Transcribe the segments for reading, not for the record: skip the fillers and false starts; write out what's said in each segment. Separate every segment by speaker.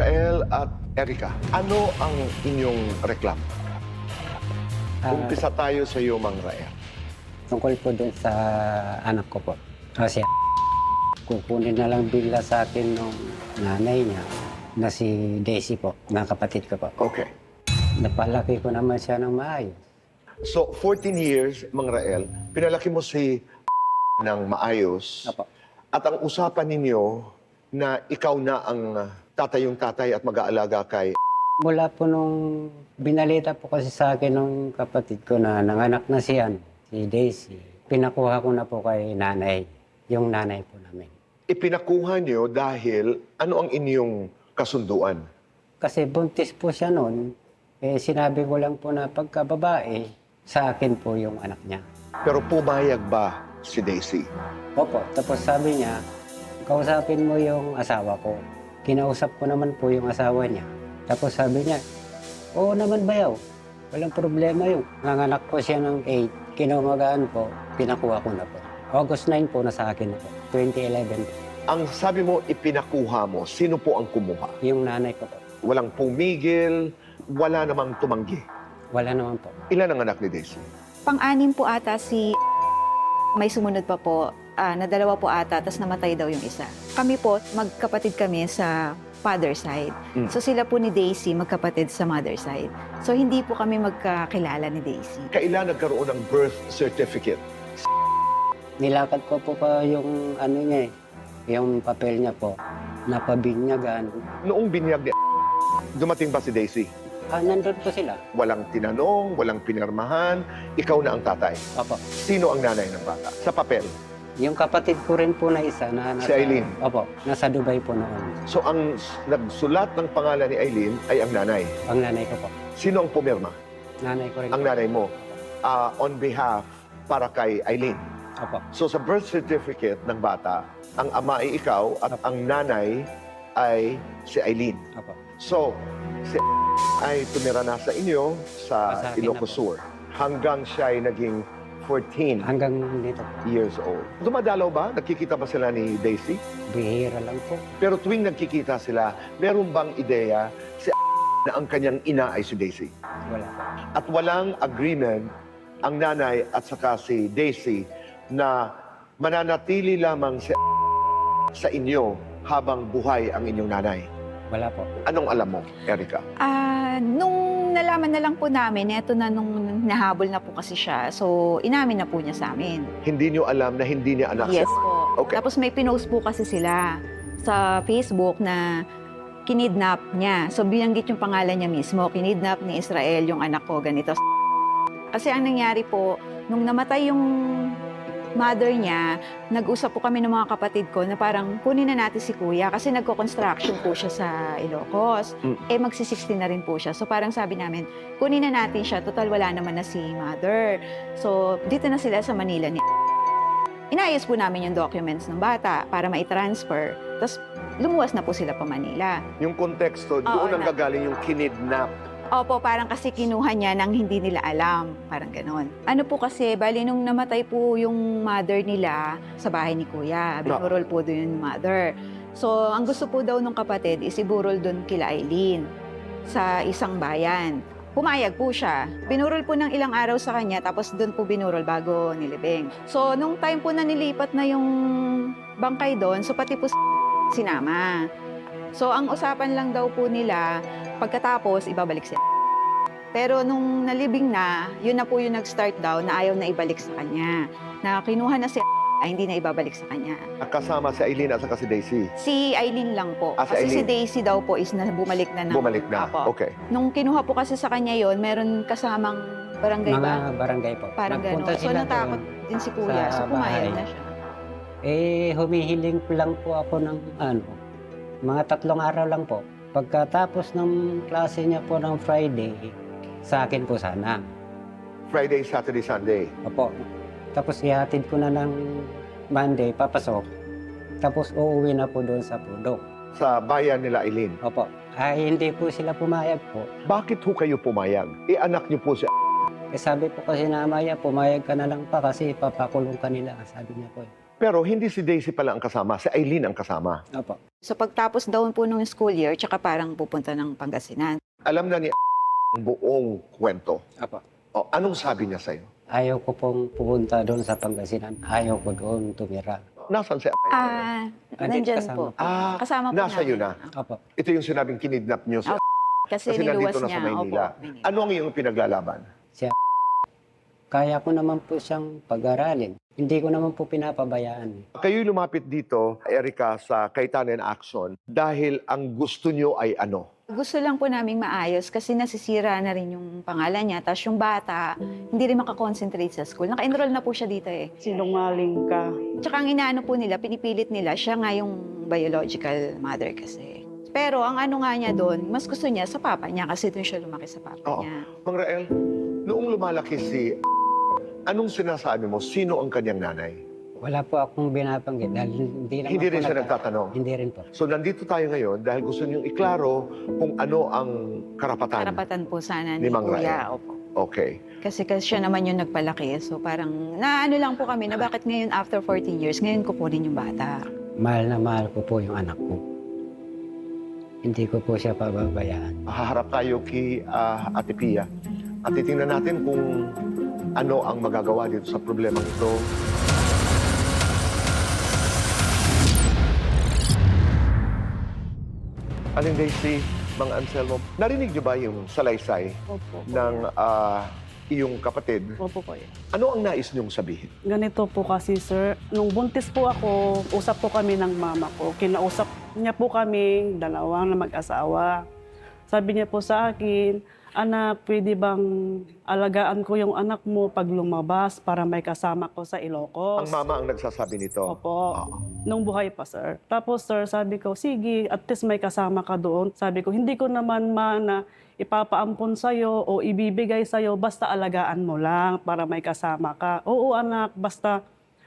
Speaker 1: Rael at Erica, ano ang inyong reklamo? Umpisa tayo sa iyo, Mang Rael.
Speaker 2: Tungkol po dun sa anak ko po. Kasi kukunin na lang bigla sa akin nung nanay niya na si Daisy po, na kapatid ko po.
Speaker 1: Okay.
Speaker 2: Napalaki ko naman siya ng maayos.
Speaker 1: So, 14 years, Mang Rael, pinalaki mo si ng maayos.
Speaker 2: Apo.
Speaker 1: At ang usapan ninyo na ikaw na ang tatayong tatay at mag-aalaga kay...
Speaker 2: Mula po nung binalita po kasi sa akin nung kapatid ko na nanganak na siya, si Daisy, pinakuha ko na po kay nanay, yung nanay po namin.
Speaker 1: Ipinakuha niyo dahil ano ang inyong kasunduan?
Speaker 2: Kasi buntis po siya noon, sinabi ko lang po na pagka babae, sa akin po yung anak niya.
Speaker 1: Pero pumayag ba si Daisy?
Speaker 2: Opo, tapos sabi niya, kausapin mo yung asawa ko. Kinausap ko naman po yung asawa niya. Tapos sabi niya, oo naman bayaw, walang problema yun. Nanganak po siya ng 8, kinamagaan po, pinakuha ko na po. August 9 po na sa akin na po, 2011 po.
Speaker 1: Ang sabi mo, ipinakuha mo, sino po ang kumuha?
Speaker 2: Yung nanay ko po,
Speaker 1: Walang pumigil, wala namang tumanggi.
Speaker 2: wala naman po.
Speaker 1: Ilan ang anak ni Daisy?
Speaker 3: Pang-anim po ata si... May sumunod pa po, na dalawa po ata, tapos namatay daw yung isa. Kami po, magkapatid kami sa father side. So sila po ni Daisy, magkapatid sa mother side. So hindi po kami magkakilala ni Daisy.
Speaker 1: Kailan nagkaroon ng birth certificate?
Speaker 2: Nilakad ko po pa yung ano niya yung papel niya po, napabinyagan.
Speaker 1: Noong binyag ni dumating ba si Daisy?
Speaker 2: Nandun po sila.
Speaker 1: Walang tinanong, walang pinirmahan, ikaw na ang tatay.
Speaker 2: Opo.
Speaker 1: Sino ang nanay ng bata? Sa papel.
Speaker 2: Yung kapatid ko rin po na isa na nasa...
Speaker 1: Si Eileen?
Speaker 2: Opo, nasa Dubai po noon.
Speaker 1: So ang nagsulat ng pangalan ni Eileen ay ang nanay.
Speaker 2: Ang nanay ko po.
Speaker 1: Sino ang pumirma?
Speaker 2: Nanay ko rin.
Speaker 1: Ang nanay mo. On behalf para kay Eileen.
Speaker 2: Opo.
Speaker 1: So sa birth certificate ng bata, ang ama ay ikaw at ang nanay ay si Eileen.
Speaker 2: Opo.
Speaker 1: So, si ay tumira na sa inyo sa
Speaker 2: Sa akin
Speaker 1: Ilocos
Speaker 2: na po.
Speaker 1: Sur hanggang siya ay naging 14
Speaker 2: Hanggang dito po.
Speaker 1: years old. Dumadalaw ba? Nakikita ba sila ni Daisy?
Speaker 2: Bihira lang po.
Speaker 1: Pero tuwing nagkikita sila, meron bang ideya si na ang kanyang ina ay si Daisy?
Speaker 2: Wala po.
Speaker 1: At walang agreement ang nanay at saka si Daisy na mananatili lamang sa inyo habang buhay ang inyong nanay.
Speaker 2: Wala po.
Speaker 1: Anong alam mo, Erica?
Speaker 3: Nung nalaman na lang po namin, eto na nung nahabol na po kasi siya. So, inamin na po niya sa amin.
Speaker 1: Hindi niyo alam na hindi niya anak
Speaker 3: Yes
Speaker 1: siya?
Speaker 3: po.
Speaker 1: Okay.
Speaker 3: Tapos may pinost po kasi sila sa Facebook na kinidnap niya. So, binanggit yung pangalan niya mismo. Kinidnap ni Israel yung anak ko, ganito. Kasi ang nangyari po, nung namatay yung mother niya, nag-usap po kami ng mga kapatid ko na parang kunin na natin si kuya kasi nagko-construction po siya sa Ilocos. Magsi-60 na rin po siya. So parang sabi namin, kunin na natin siya. Total wala naman na si mother. So dito na sila sa Manila. Inayos po namin yung documents ng bata para mai-transfer. Tapos lumuwas na po sila pa Manila.
Speaker 1: Yung konteksto, doon ang gagaling yung kinidnap.
Speaker 3: Opo, parang kasi kinuha niya nang hindi nila alam. Parang ganon. Ano po kasi, bali nung namatay po yung mother nila sa bahay ni Kuya. Binurol po doon yung mother. So, ang gusto po daw ng kapatid is iburol doon kila Eileen sa isang bayan. Pumayag po siya. Binurol po ng ilang araw sa kanya, tapos doon po binurol bago nilibing. So, nung time po na nilipat na yung bangkay doon, so pati po sinama. So, ang usapan lang daw po nila, pagkatapos, ibabalik siya. Pero nung nalibing na, yun na po yung nag-start daw na ayaw na ibalik sa kanya. Na kinuha na si ay hindi na ibabalik sa kanya.
Speaker 1: Kasama si Eileen at saka si Daisy.
Speaker 3: Si Eileen lang po.
Speaker 1: Si
Speaker 3: Kasi si
Speaker 1: Eileen.
Speaker 3: Daisy daw po is na bumalik na.
Speaker 1: Bumalik na.
Speaker 3: Apo.
Speaker 1: Okay.
Speaker 3: Nung kinuha po kasi sa kanya yon, meron kasamang barangay
Speaker 2: Mga
Speaker 3: ba?
Speaker 2: barangay po.
Speaker 3: Parang
Speaker 2: Nagpunta
Speaker 3: gano'n. So
Speaker 2: sila
Speaker 3: natakot
Speaker 2: doon
Speaker 3: din si Kuya.
Speaker 2: sa
Speaker 3: So pumayag
Speaker 2: bahay.
Speaker 3: na siya.
Speaker 2: Humihiling lang po ako ng mga 3 araw lang po. Pagkatapos ng klase niya po ng Friday, sa akin po sana.
Speaker 1: Friday, Saturday, Sunday.
Speaker 2: Opo. Tapos ihatid ko na ng Monday, papasok. Tapos uuwi na po doon sa Pudok.
Speaker 1: Sa bayan nila Eileen.
Speaker 2: Opo. Hindi po sila pumayag po.
Speaker 1: Bakit ho kayo pumayag? Anak niyo po si
Speaker 2: Sabi po kasi na Amaya, pumayag ka na lang pa kasi papakulong ka nila. Sabi niya po.
Speaker 1: Pero hindi si Daisy pala ang kasama, si Eileen ang kasama.
Speaker 2: Opo.
Speaker 3: So pagtapos daw po nung school year, tsaka parang pupunta ng Pangasinan.
Speaker 1: Alam na ni ang buong kwento.
Speaker 2: Opo.
Speaker 1: O, anong sabi niya sa'yo?
Speaker 2: Ayaw ko pong pupunta doon sa Pangasinan. Ayaw ko doon tumira.
Speaker 1: Nasaan si
Speaker 3: Nandyan
Speaker 2: kasama.
Speaker 3: po. Kasama po
Speaker 1: nasa iyo
Speaker 3: namin.
Speaker 1: na.
Speaker 2: Opo.
Speaker 1: Ito yung sinabing kinidnap niyo si
Speaker 3: Kasi
Speaker 1: kasi
Speaker 3: niluwas
Speaker 1: nandito na
Speaker 3: niya.
Speaker 1: sa Maynila.
Speaker 3: Opo, Maynila.
Speaker 1: Ano ang iyong pinaglalaban?
Speaker 2: Kaya ko naman po siyang pag-aralin. Hindi ko naman po pinapabayaan.
Speaker 1: Kayo'y lumapit dito, Erica, sa Kaitanen Action dahil ang gusto niyo ay ano?
Speaker 3: Gusto lang po naming maayos kasi nasisira na rin yung pangalan niya. Tapos yung bata, hindi rin makakonsentrate sa school. Naka-enroll na po siya dito eh.
Speaker 4: Sinungaling ka.
Speaker 3: Tsaka ang inaano po nila, pinipilit nila, siya nga yung biological mother kasi. Pero ang ano nga niya doon, mas gusto niya sa papa niya kasi doon siya lumaki sa papa
Speaker 1: Oo.
Speaker 3: niya.
Speaker 1: Mang Rael, noong lumalaki si anong sinasabi mo? Sino ang kanyang nanay?
Speaker 2: Wala po akong binabanggit dahil hindi naman
Speaker 1: Hindi
Speaker 2: po
Speaker 1: rin siya
Speaker 2: nagka-
Speaker 1: nagtatanong.
Speaker 2: Hindi rin po.
Speaker 1: So nandito tayo ngayon dahil gusto niyong iklaro kung ano ang karapatan.
Speaker 3: Karapatan po sana
Speaker 1: Ni
Speaker 3: ni
Speaker 1: Mang
Speaker 3: Kuya. Opo.
Speaker 1: Okay.
Speaker 3: Kasi siya naman yung nagpalaki. So parang naano lang po kami na bakit ngayon after 14 years, ngayon kukunin yung bata.
Speaker 2: Mahal na mahal ko po yung anak ko. Hindi ko po siya pababayaan.
Speaker 1: Haharap tayo kay Ate Pia at titingnan natin kung ano ang magagawa dito sa problemang ito. Aling Daisy, Mang Anselmo, narinig niyo ba yung salaysay
Speaker 4: Opo.
Speaker 1: ng iyong kapatid?
Speaker 4: Opo kuya.
Speaker 1: Ano ang nais niyong sabihin?
Speaker 4: Ganito po kasi sir, nung buntis po ako, usap po kami ng mama ko. Kinausap niya po kami, dalawang na mag-asawa. Sabi niya po sa akin, anak, pwede bang alagaan ko yung anak mo pag lumabas para may kasama ko sa Ilocos?
Speaker 1: Ang mama ang nagsasabi nito.
Speaker 4: Opo.
Speaker 1: Oo.
Speaker 4: Nung buhay pa, sir. Tapos, sir, sabi ko, sige, at least may kasama ka doon. Sabi ko, hindi ko naman na ipapaampon sa'yo o ibibigay sa'yo, basta alagaan mo lang para may kasama ka. Oo, anak, basta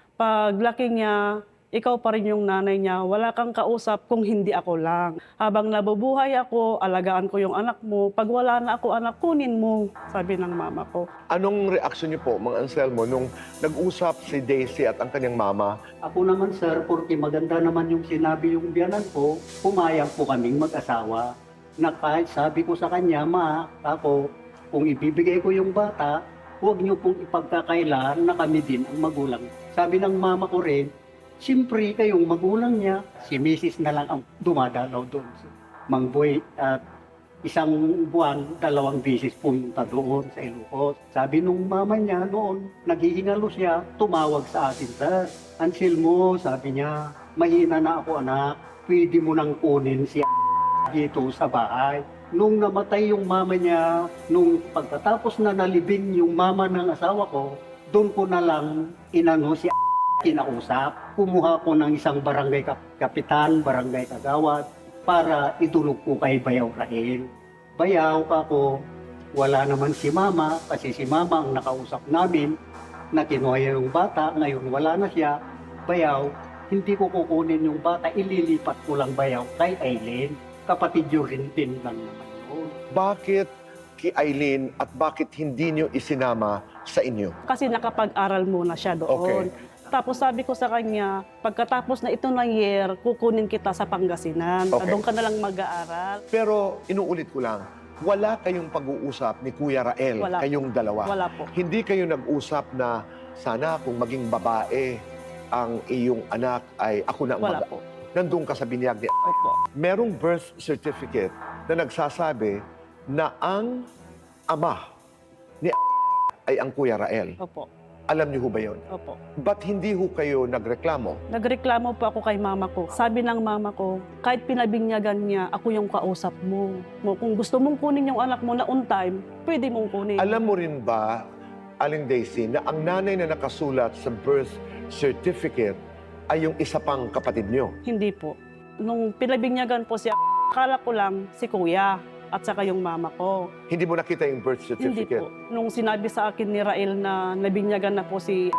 Speaker 4: paglaki niya, ikaw pa rin yung nanay niya, wala kang kausap kung hindi ako lang. Habang nabubuhay ako, alagaan ko yung anak mo. Pag wala na ako, anak, kunin mo, sabi ng mama ko.
Speaker 1: Anong reaksyon niyo po, Mang Anselmo, nung nag-usap si Daisy at ang kanyang mama?
Speaker 5: Ako naman sir, porque maganda naman yung sinabi yung biyanan ko, pumayag po kaming mag-asawa. Na kahit sabi ko sa kanya, ma, ako, kung ibibigay ko yung bata, huwag niyo pong ipagkakailan na kami din ang magulang. Sabi ng mama ko rin, siyempre kayong magulang niya, si Mrs. na lang ang dumadalaw doon. Mang Boy, at isang buwan, 2 beses pumunta doon sa Ilocos. Sabi nung mama niya noon, naghihingalo siya, tumawag sa akin, sir. Anselmo, sabi niya, mahina na ako anak, pwede mo nang kunin si dito sa bahay. Nung namatay yung mama niya, nung pagkatapos na nalibing yung mama ng asawa ko, doon ko na lang inano si kinausap. Kumuha ko ng isang barangay kapitan, barangay kagawad, para itulog ko kay Bayaw Rael. Bayaw ako, wala naman si mama, kasi si mama ang nakausap namin, na kinuha yung bata, ngayon wala na siya. Bayaw, hindi ko kukunin yung bata, ililipat ko lang Bayaw kay Eileen. Kapatid yun rin din lang naman yun.
Speaker 1: Bakit kay Eileen at bakit hindi niyo isinama sa inyo?
Speaker 4: Kasi nakapag-aral muna siya doon.
Speaker 1: Okay.
Speaker 4: Tapos sabi ko sa kanya, pagkatapos na ito ng year, kukunin kita sa Pangasinan.
Speaker 1: Okay.
Speaker 4: Doon ka na lang mag-aaral.
Speaker 1: Pero inuulit ko lang, wala kayong pag-uusap ni Kuya Rael,
Speaker 4: Wala.
Speaker 1: kayong dalawa.
Speaker 4: Wala po.
Speaker 1: Hindi kayo nag-usap na sana kung maging babae ang iyong anak ay ako na ang
Speaker 4: Wala po.
Speaker 1: Nandun ka sa binyag ni
Speaker 4: Opo.
Speaker 1: merong birth certificate na nagsasabi na ang ama ni ay ang Kuya Rael.
Speaker 4: Opo.
Speaker 1: Alam niyo ho ba yun?
Speaker 4: Opo.
Speaker 1: Ba't hindi ho kayo nagreklamo?
Speaker 4: Nagreklamo po ako kay mama ko. Sabi ng mama ko, kahit pinabinyagan niya, ako yung kausap mo. Kung gusto mong kunin yung anak mo na on time, pwede mong kunin.
Speaker 1: Alam mo rin ba, Aling Daisy, na ang nanay na nakasulat sa birth certificate ay yung isa pang kapatid niyo?
Speaker 4: Hindi po. Nung pinabinyagan po siya, akala ko lang si kuya at saka yung mama ko.
Speaker 1: Hindi mo nakita yung birth
Speaker 4: Hindi
Speaker 1: certificate?
Speaker 4: po. Nung sinabi sa akin ni Rael na nabinyagan na po si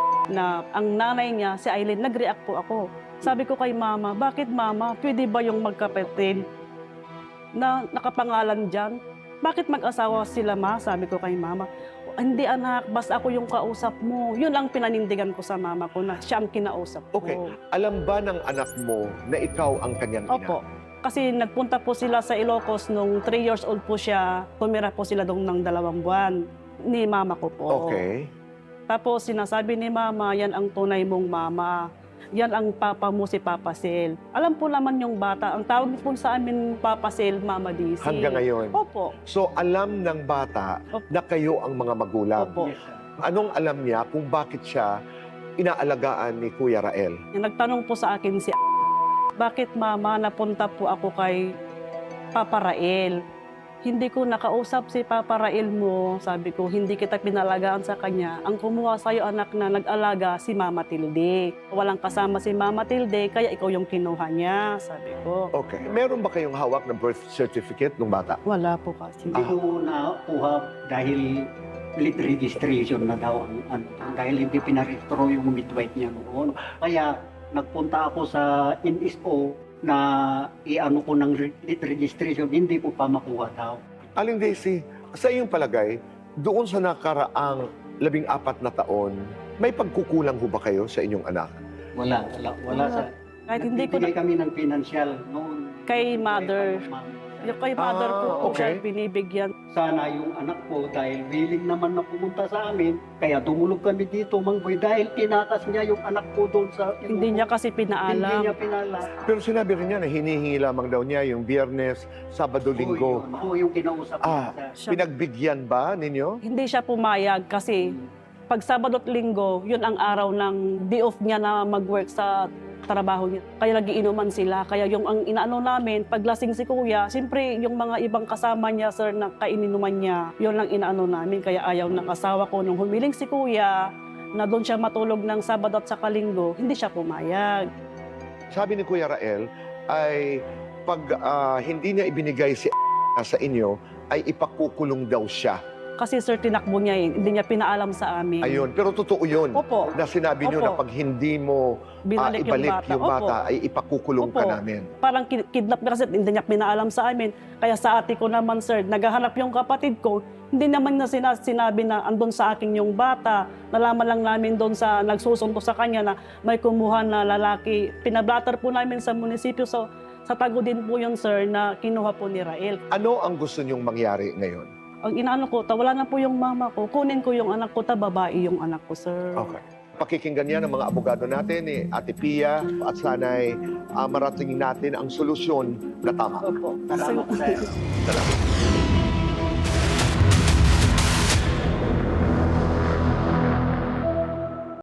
Speaker 4: na ang nanay niya, si Eileen, nag-react po ako. Sabi ko kay mama, bakit mama, pwede ba yung magkapatid na nakapangalan dyan? Bakit mag-asawa sila ma? Sabi ko kay mama. Hindi anak, basta ako yung kausap mo. Yun ang pinanindigan ko sa mama ko na siya ang kinausap ko.
Speaker 1: Okay. Alam ba ng anak mo na ikaw ang kanyang ina?
Speaker 4: Opo. Kasi nagpunta po sila sa Ilocos nung 3 years old po siya. Tumira po sila doon ng 2 buwan ni mama ko po.
Speaker 1: Okay.
Speaker 4: Tapos sinasabi ni mama, yan ang tunay mong mama. Yan ang papa mo si Papa Sel. Alam po naman yung bata. Ang tawag po sa amin Papa Sel, Mama Daisy.
Speaker 1: Hanggang ngayon.
Speaker 4: Opo.
Speaker 1: So alam ng bata
Speaker 4: Opo.
Speaker 1: na kayo ang mga magulang.
Speaker 4: Opo.
Speaker 5: Yes, sir.
Speaker 1: Anong alam niya kung bakit siya inaalagaan ni Kuya Rael?
Speaker 4: Nagtanong po sa akin si bakit mama napunta po ako kay Papa Rael? Hindi ko nakausap si Papa Rael mo. Sabi ko, hindi kita pinalagaan sa kanya. Ang kumuha sa'yo anak na nag-alaga si Mama Tilde. Walang kasama si Mama Tilde, kaya ikaw yung kinuha niya, sabi ko.
Speaker 1: Okay. Meron ba kayong hawak na birth certificate ng bata?
Speaker 4: Wala po kasi.
Speaker 5: Hindi ko nakuha dahil late registration na daw ang dahil hindi pinarehistro yung midwife niya noon. Kaya nagpunta ako sa NSO na i-ano ko ng late registration, hindi ko pa makuha daw.
Speaker 1: Aling Daisy, sa iyong palagay, doon sa nakaraang 14 na taon, may pagkukulang ho ba kayo sa inyong anak?
Speaker 5: Wala sa...
Speaker 4: Kahit hindi ko
Speaker 5: Nagbibigay kami ng financial noon.
Speaker 4: Kay mother. Yung kay mother ko po
Speaker 1: okay.
Speaker 4: siya binibigyan.
Speaker 5: Sana yung anak ko dahil willing naman na pumunta sa amin, kaya dumulog kami dito, Mang Boy, dahil tinakas niya yung anak ko doon sa...
Speaker 4: Hindi niya kasi
Speaker 5: Hindi
Speaker 4: pinaalam.
Speaker 5: niya pinala.
Speaker 1: Pero sinabi rin niya na hinihingi lamang daw niya yung Biyernes, Sabado, Linggo.
Speaker 5: Oo, yung kinausap
Speaker 1: Ah.
Speaker 5: niya.
Speaker 4: Siya-
Speaker 1: Pinagbigyan ba ninyo?
Speaker 4: Hindi siya pumayag kasi pag Sabado at Linggo, yun ang araw ng day off niya na mag-work sa trabaho niya. Kaya nagiinuman sila. Kaya yung ang inaano namin, pag lasing si kuya, siyempre yung mga ibang kasama niya, sir, na kaininuman niya, yun lang inaano namin. Kaya ayaw ng asawa ko nung humiling si kuya, na doon siya matulog ng Sabado at saka Linggo, hindi siya pumayag.
Speaker 1: Sabi ni Kuya Rael, ay pag hindi niya ibinigay si sa inyo, ay ipakukulong daw siya.
Speaker 4: Kasi sir, tinakbo niya eh. Hindi niya pinaalam sa amin.
Speaker 1: Ayun, pero totoo yun.
Speaker 4: Opo.
Speaker 1: Na sinabi niyo na
Speaker 4: Opo.
Speaker 1: pag hindi mo
Speaker 4: Binalik
Speaker 1: ibalik
Speaker 4: yung bata.
Speaker 1: ay ipakukulong ka
Speaker 4: Opo.
Speaker 1: namin.
Speaker 4: Parang kidnap niya kasi hindi niya pinaalam sa amin. Kaya sa ate ko naman, sir, naghahanap yung kapatid ko, hindi naman na sinabi na andun sa akin yung bata. Nalaman lang namin doon sa nagsusunto sa kanya na may kumuha na lalaki. Pinablatter po namin sa munisipyo. Sa tago din po yun, sir, na kinuha po ni Rael.
Speaker 1: Ano ang gusto niyong mangyari ngayon?
Speaker 4: Ang inaano ko, wala na po yung mama ko. Kunin ko yung anak ko, babae yung anak ko, sir.
Speaker 1: Okay. Pakikinggan niya ng mga abogado natin, ni Ate Pia, at sana'y marating natin ang solusyon na tama.
Speaker 4: Opo.
Speaker 5: Salamat, sir.
Speaker 1: Salamat.